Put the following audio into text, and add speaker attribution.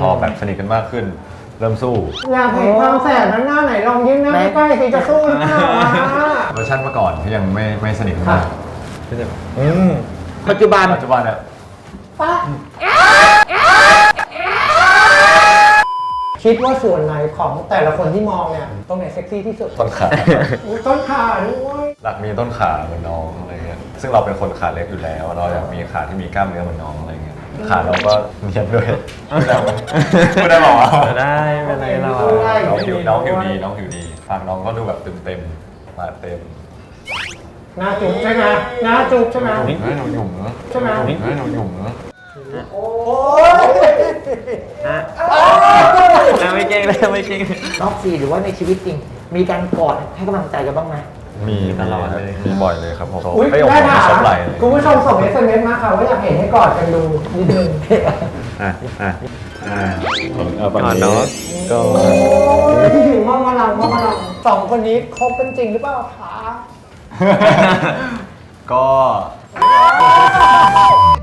Speaker 1: พอแบบสนิทกันมากขึ้นเริ่มสู้
Speaker 2: อยากเห็นความแสบนั้นหน้าไหนลองยิ้มหน้าใกล้ๆสิจะสู้หรือเปล่าวะ
Speaker 1: เวอร์ชันเมื่อก่อนที่ยังไม่สนิทกันมากก็จะแบบ
Speaker 3: ปัจจุบัน
Speaker 1: เนี่ย
Speaker 2: ป้าคิดว่าส่วนไหนของแต่ละคนที่มองเนี่ยตรงไหนเซ็กซี่ที่สุด
Speaker 1: ต้นขา
Speaker 2: อุ๊ยต้นขาด้วย
Speaker 1: หลักมีต้นขาเหมือนน้องอะไรเงี้ยซึ่งเราเป็นคนขาเล็กอยู่แล้วเราอยากมีขาที่มีกล้ามเนื้อเหมือนน้องอะไรเงี้ยขาเราก็เนียนด้วยไม่ได้บอกว่า
Speaker 4: ได้ไม่เป็นไรเรา
Speaker 1: น้องผิวดีฝากน้องก็ดูแบบเต็มมาเต็ม
Speaker 2: หน้าจุ๊บใช่ไหมหน้าจุ๊บใช่ไหม
Speaker 1: หนูหยุ่มนะ
Speaker 2: ใช่ไหม
Speaker 1: หนูหยุ่มนะ
Speaker 2: โอ้ย
Speaker 4: ไม่เก่งเลยไม่เก่ง
Speaker 3: นอกซีหรือว่าในชีวิตจริง มีการกอดให้กำลังใจกันบ้างไหม
Speaker 1: มีตลอดเลยมีบ่อยเลยครับผม
Speaker 2: อุ๊ย
Speaker 1: ไม่ยอม
Speaker 2: ได้ค่ะ
Speaker 1: ชอบไหลเลย
Speaker 2: คุณผู้ชมส่ง SMS มาค่ะว่าอยากเห็นให้กอดกันดูนิดนึง
Speaker 4: ก่อนเนาะก็
Speaker 2: มองมาลังสองคนนี้คบกันจริงหรือเปล่าคะ
Speaker 1: ก็